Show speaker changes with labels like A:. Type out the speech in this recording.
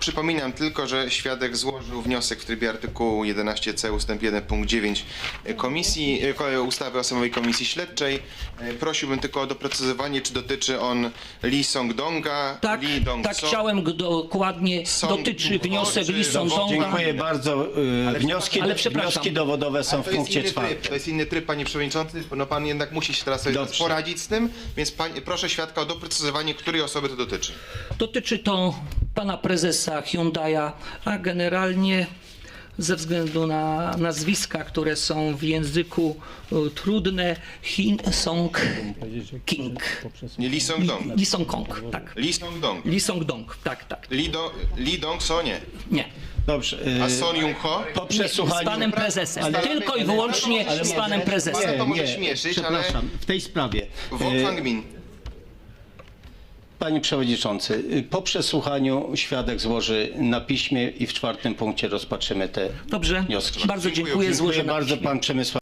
A: Przypominam tylko, że świadek złożył wniosek w trybie artykułu 11c ust. 1 punkt 9 ustawy o Sejmowej Komisji Śledczej. Prosiłbym tylko o doprecyzowanie, czy dotyczy on Lee Song-donga,
B: Tak,
A: Lee Dong-so.
B: tak chciałem dokładnie. Dotyczy wniosek Lee Song-donga.
C: Dziękuję bardzo. Wnioski dowodowe są w punkcie 4.
A: To jest inny tryb, panie przewodniczący. No pan jednak musi się teraz sobie
C: Dobrze.
A: poradzić z tym, więc proszę świadka o doprecyzowanie, której osoby to dotyczy.
B: Dotyczy to pana prezesa Hyundai'a, a generalnie ze względu na nazwiska, które są w języku trudne, Song King.
A: Nie Lee Song-dong.
B: Lee Song-kong, tak.
A: Lee Song-dong.
B: Lee Song-dong, tak.
A: Lee Dong-so nie.
B: Nie.
C: Dobrze.
A: A Son Yung-ho?
C: Po przesłuchaniu...
B: Z panem prezesem. Tylko i wyłącznie z panem prezesem.
A: Pana to może śmieszyć, ale...
C: Przepraszam, w tej sprawie.
A: Wong Fang-min.
C: Panie Przewodniczący, po przesłuchaniu świadek złoży na piśmie i w 4. punkcie rozpatrzymy te
B: Dobrze,
C: wnioski.
B: bardzo
A: Dziękuję.
B: dziękuję.
A: Dziękuję
B: Złożę
C: Dziękuję
B: na
C: bardzo,
B: piśmie.
C: pan Przemysław.